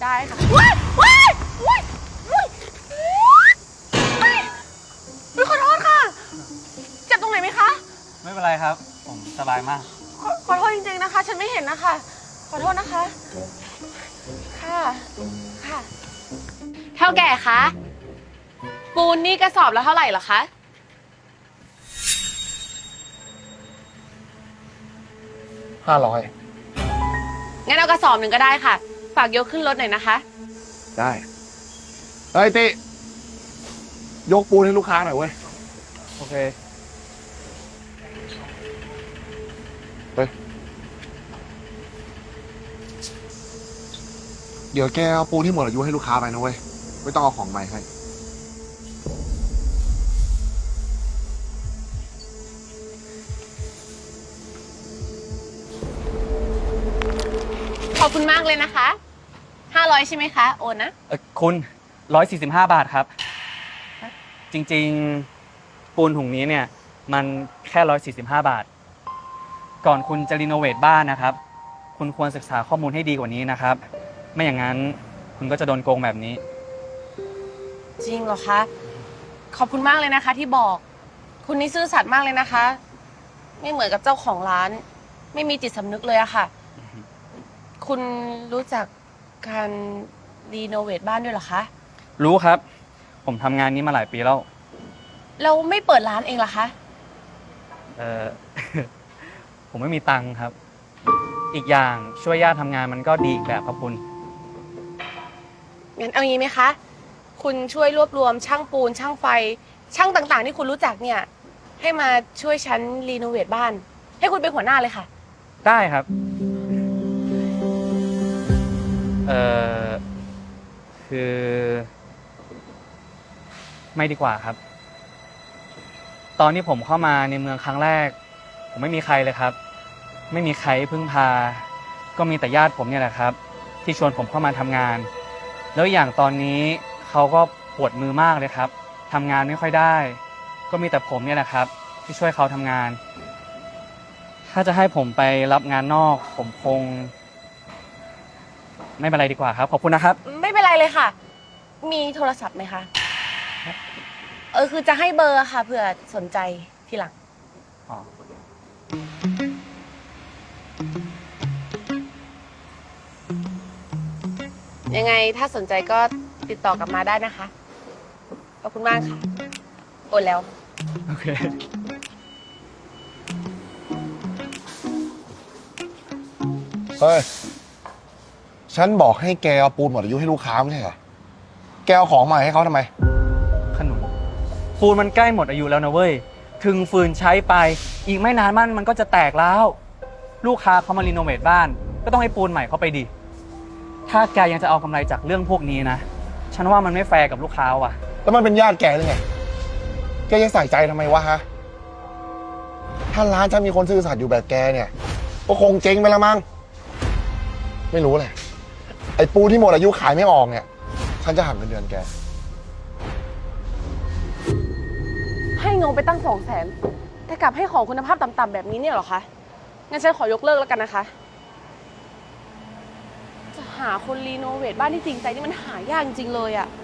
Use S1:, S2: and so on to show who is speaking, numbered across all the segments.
S1: ได้ค่ะว้ายว้ายว้ายว้ายขอโทษค่ะเจ็บตรงไหนไหมคะ
S2: ไม่เป็นไรครับผมสบายมาก
S1: ขอโทษจริงๆนะคะฉันไม่เห็นนะคะขอโทษนะคะค่ะค่ะเท่าแก่คะปูนนี่กระสอบละเท่าไหร่เหรอคะ
S3: 500
S1: งั้นเอากระสอบหนึ่งก็ได้ค่ะฝากยกขึ้นรถหน่อยนะคะ
S3: ได้เฮ้ยติยกปูนให้ลูกค้าหน่อยเว้ย
S2: โอเค
S3: เดี๋ยวแกเอาปูนที่หมดอายุให้ลูกค้าไปนะเว้ยไม่ต้องเอาของใหม่ให้
S1: ขอบคุณมากเลยนะคะ500ใช่ไหมคะโอนนะ
S2: คุณ145 บาทครับจริงๆปูนถุงนี้เนี่ยมันแค่145 บาทก่อนคุณจะรีโนเวทบ้านนะครับคุณควรศึกษาข้อมูลให้ดีกว่านี้นะครับไม่อย่างนั้นคุณก็จะโดนโกงแบบนี้
S1: จริงเหรอคะขอบคุณมากเลยนะคะที่บอกคุณนี่ซื่อสัตย์มากเลยนะคะไม่เหมือนกับเจ้าของร้านไม่มีจิตสำนึกเลยอะค่ะคุณรู้จักการรีโนเวทบ้านด้วยเหรอคะ
S2: รู้ครับผมทำงานนี้มาหลายปีแล้ว
S1: เราไม่เปิดร้านเองเหรอคะ
S2: ผมไม่มีตังค์ครับอีกอย่างช่วยญาติทำงานมันก็ดีอีกแบบครับคุณ
S1: งั้นเอางี้ไหมคะคุณช่วยรวบรวมช่างปูนช่างไฟช่างต่างๆที่คุณรู้จักเนี่ยให้มาช่วยฉันรีโนเวทบ้านให้คุณเป็นหัวหน้าเลยค่ะ
S2: ได้ครับคือไม่ดีกว่าครับตอนที่ผมเข้ามาในเมืองครั้งแรกผมไม่มีใครเลยครับไม่มีใครพึ่งพาก็มีแต่ญาติผมเนี่ยแหละครับที่ชวนผมเข้ามาทำงานแล้วอย่างตอนนี้เขาก็ปวดมือมากเลยครับทำงานไม่ค่อยได้ก็มีแต่ผมเนี่ยแหละครับที่ช่วยเขาทำงานถ้าจะให้ผมไปรับงานนอกผมคงไม่เป็นไรดีกว่าครับขอบคุณนะครับ
S1: ไม่เป็นไรเลยค่ะมีโทรศัพท์ไหมคะคือจะให้เบอร์ค่ะเผื่อสนใจทีหลังยังไงถ้าสนใจก็ติดต่อกลับมาได้นะคะขอบคุณมากค่ะโอนแล้ว
S2: โอเค
S3: เฮ้ยฉันบอกให้แกเอาปูนหมดอายุให้ลูกค้าไม่ใช่เหรอแกเอาของใหม่ให้เขาทำไม
S2: ขนุนปูนมันใกล้หมดอายุแล้วนะเว้ยถึงฟืนใช้ไปอีกไม่นานมันก็จะแตกแล้วลูกค้าเขามารีโนเวทบ้านก็ต้องให้ปูนใหม่เขาไปดิถ้าแกยังจะเอากำไรจากเรื่องพวกนี้นะฉันว่ามันไม่แฟร์กับลูกค้าว่ะ
S3: แล้วมันเป็นญาติแกหรือไงแกยังใส่ใจทำไมวะฮะถ้าร้านฉันมีคนซื่อสัตย์อยู่แบบแกเนี่ยก็คงเจ๊งไปแล้วมั้งไม่รู้เลยไอ้ปูที่หมดอายุขายไม่ออกเนี่ยฉันจะหักเงินเดือนแก
S1: ให้เงินไปตั้ง200,000แต่กลับให้ของคุณภาพต่ำๆแบบนี้เนี่ยเหรอคะงั้นฉันขอยกเลิกแล้วกันนะคะจะหาคนรีโนเวทบ้านที่จริงใจนี่มันหายากจริงเลยอะ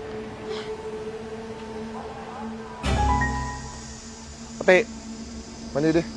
S3: เตะมานี่ดิ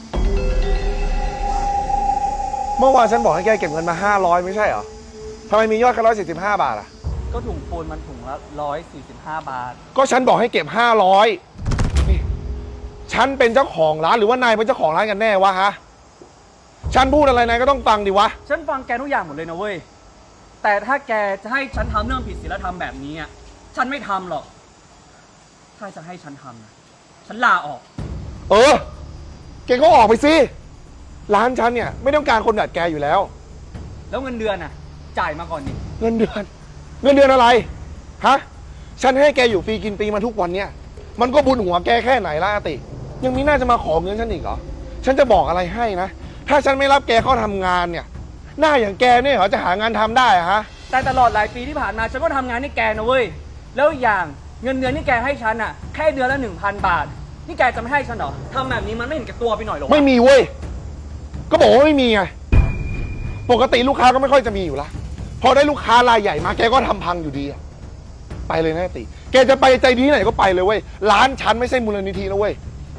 S3: เมื่อวานฉันบอกให้แกเก็บเงินมา500ไม่ใช่เหรอทำไมมียอดแค่145 บาทอ่ะ
S2: ก็ถุงปูนมันถุงละ145 บาท
S3: ก็ฉันบอกให้เก็บ500นี่ฉันเป็นเจ้าของร้านหรือว่านายเป็นเจ้าของร้านกันแน่วะฮะฉันพูดอะไรนายก็ต้องฟังดิวะ
S2: ฉันฟังแกทุกอย่างหมดเลยนะเว้ยแต่ถ้าแกจะให้ฉันทำเรื่องผิดศีลธรรมแบบนี้อ่ะฉันไม่ทำหรอกถ้าจะให้ฉันทำนะฉันลาออก
S3: แกก็ออกไปสิร้านฉันเนี่ยไม่ต้องการคนแบบแกอยู่แล้ว
S2: แล้วเงินเดือนน่ะจ่ายมาก่อนนี่
S3: เงินเดือนอะไรฮะฉันให้แกอยู่ฟรีกินฟรีมาทุกวันเนี่ยมันก็บุญหัวแกแค่ไหนล่ะอาติยังมีหน้าจะมาขอเงินฉันอีกเหรอฉันจะบอกอะไรให้นะถ้าฉันไม่รับแกเข้าทำงานเนี่ยหน้าอย่างแกเนี่ยเหรอจะหางานทำได้ฮะ
S2: แต่ตลอดหลายปีที่ผ่านมาฉันก็ทำงานให้แกนะเว้ยแล้วอย่างเงินเดือนที่แกให้ฉันอ่ะแค่เดือนละ 1,000 บาทนี่แกจะไม่ให้ฉันเหรอทำแบบนี้มันไม่เห็นแก่ตัวไปหน่อยหรอ
S3: ไม่มีเว้ยก็บอกว่าไม่มีไงปกติลูกค้าก็ไม่ค่อยจะมีอยู่ละพอได้ลูกค้ารายใหญ่มาแกก็ทำพังอยู่ดีอะไปเลยนะอาติแกจะไปใจดีที่ไหนก็ไปเลยเว้ยร้านฉันไม่ใช่มูลนิธินะเว้ย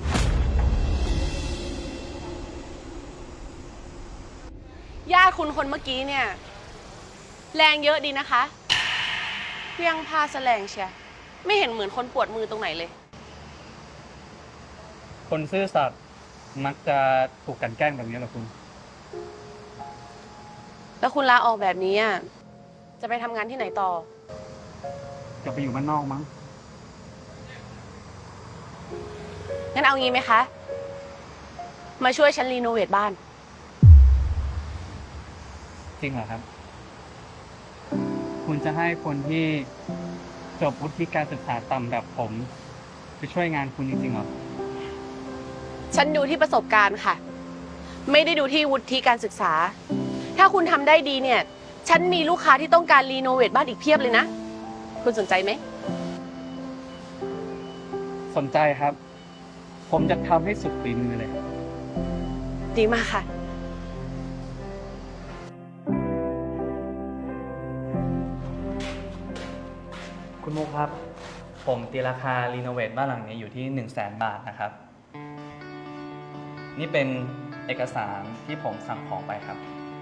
S1: ญาติคุณคนเมื่อกี้เนี่ย แรงเยอะดีนะคะเพียงพาแสลงเชียไม่เห็นเหมือนคนปวดมือตรงไหนเลย
S2: คนซื่อสัตย์มักจะถูกกลั่นแกล้งแบบนี้เหรอคุณ
S1: แล้วคุณลาออกแบบนี้อะจะไปทำงานที่ไหนต่อ
S2: จะไปอยู่บ้านนอกมั้ง
S1: งั้นเอางี้ไหมคะ มาช่วยฉันรีโนเวทบ้าน
S2: จริงเหรอครับ คุณจะให้คนที่จบวุฒิการศึกษาต่ำแบบผมไปช่วยงานคุณจริงๆเหรอ
S1: ฉันดูที่ประสบการณ์ค่ะ ไม่ได้ดูที่วุฒิการศึกษา ถ้าคุณทำได้ดีเนี่ย ฉันมีลูกค้าที่ต้องการรีโนเวทบ้านอีกเพียบเลยนะ คุณสนใจไหม
S2: สนใจครับ ผมจะทำให้สุดฝีมือเลย
S1: ดีมากค่ะ
S2: คุณมุกครับ ผมตีราคารีโนเวทบ้านหลังนี้อยู่ที่ 100,000 บาทนะครับ นี่เป็นเอกสารที่ผมสั่งของไปครับ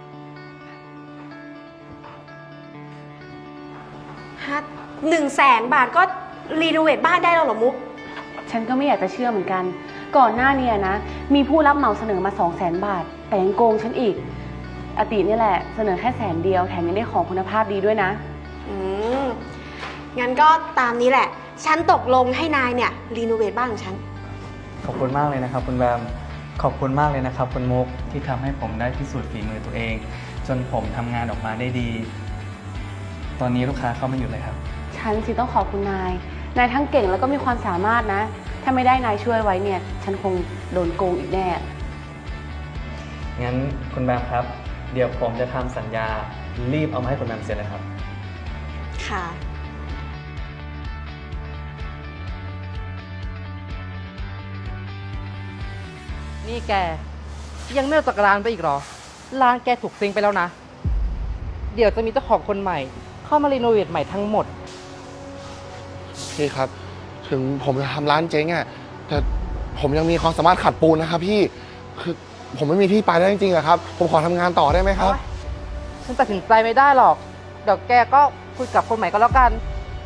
S4: ฮะ100,000 บาทก็รีโนเวทบ้านได้แล้วเหรอมุก
S1: ฉันก็ไม่อยากจะเชื่อเหมือนกัน ก่อนหน้านี้นะ มีผู้รับเหมาเสนอมา 200,000 บาท แต่ยังโกงฉันอีก อตินี่แหละ เสนอแค่100,000 แถมยังได้ของคุณภาพดีด้วยนะ
S4: อืม งั้นก็ตามนี้แหละ ฉันตกลงให้นายเนี่ยรีโนเวทบ้านของฉัน
S2: ขอบคุณมากเลยนะครับคุณแบม ขอบคุณมากเลยนะครับคุณมุกที่ทำให้ผมได้พิสูจน์ฝีมือตัวเอง จนผมทำงานออกมาได้ดี ตอนนี้ลูกค้าเข้ามาอยู่เลยครับ
S1: ฉันสิต้องขอบคุณนาย นายทั้งเก่งแล้วก็มีความสามารถนะ ถ้าไม่ได้นายช่วยไว้เนี่ย ฉันคงโดนโกงอีกแน่
S2: งั้นคุณแบมครับ เดี๋ยวผมจะทำสัญญารีบเอามาให้คุณแบมเซ็นเลยครับ
S4: ค่ะ
S5: นี่แกยังไม่ออกจากร้านไปอีกเหรอ ร้านแกถูกซิงไปแล้วนะ เดี๋ยวจะมีเจ้าของคนใหม่ เข้ามารีโนเวทใหม่ทั้งหมด
S3: พี่ครับ ถึงผมจะทำร้านเจ๊งอะแต่ผมยังมีความสามารถขัดปูนนะครับพี่คือผมไม่มีที่ไปแล้วจริงๆอะครับ ผมขอทำงานต่อได้ไหมครับ
S5: ฉันตัดสินใจไม่ได้หรอก เดี๋ยวแกก็คุยกับคนใหม่ก็แล้วกัน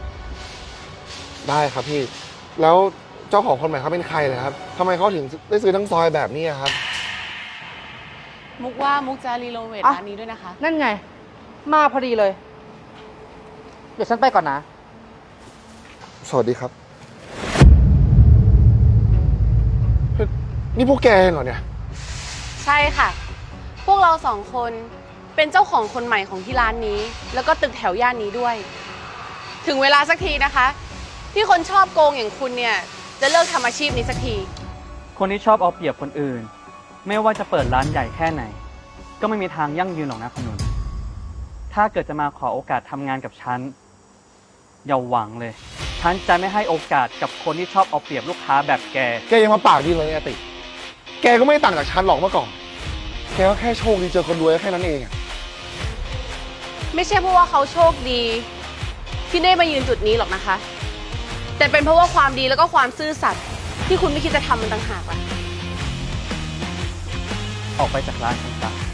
S3: ได้ครับพี่ แล้วเจ้าของคนใหม่เขาเป็นใครเลยครับทำไมเขาถึงได้ซื้อทั้งซอยแบบนี้อะครับ
S1: มุกว่ามุกจะรีโนเวท
S5: อ่ะ
S1: ร้านนี้ด้วยนะคะ
S5: นั่นไง มาพอดีเลย เดี๋ยวฉันไปก่อนนะ
S3: สวัสดีครับเฮ้ยนี่พวกแกเองเหรอเนี่ย
S1: ใช่ค่ะ พวกเราสองคนเป็นเจ้าของคนใหม่ของที่ร้านนี้ แล้วก็ตึกแถวย่านนี้ด้วย ถึงเวลาสักทีนะคะ ที่คนชอบโกงอย่างคุณเนี่ย จะเลิกทำอาชีพนี้สักที
S2: คนที่ชอบเอาเปรียบคนอื่น ไม่ว่าจะเปิดร้านใหญ่แค่ไหน ก็ไม่มีทางยั่งยืนหรอกนะคุณนุ่นถ้าเกิดจะมาขอโอกาสทำงานกับฉัน อย่าหวังเลย ฉันจะไม่ให้โอกาสกับคนที่ชอบเอาเปรียบลูกค้าแบบแก
S3: แกยังมาปากดีเลยอาติ แกก็ไม่ต่างจากฉันหรอกเมื่อก่อน แกก็แค่โชคดีเจอคนรวยแค่นั้นเองอะ
S1: ไม่ใช่เพราะว่าเขาโชคดี ที่ได้มายืนจุดนี้หรอกนะคะ แต่เป็นเพราะว่าความดีแล้วก็ความซื่อสัตย์ที่คุณไม่คิดจะทำมันต่างหากล่ะ
S2: ออกไปจากร้านฉันซะ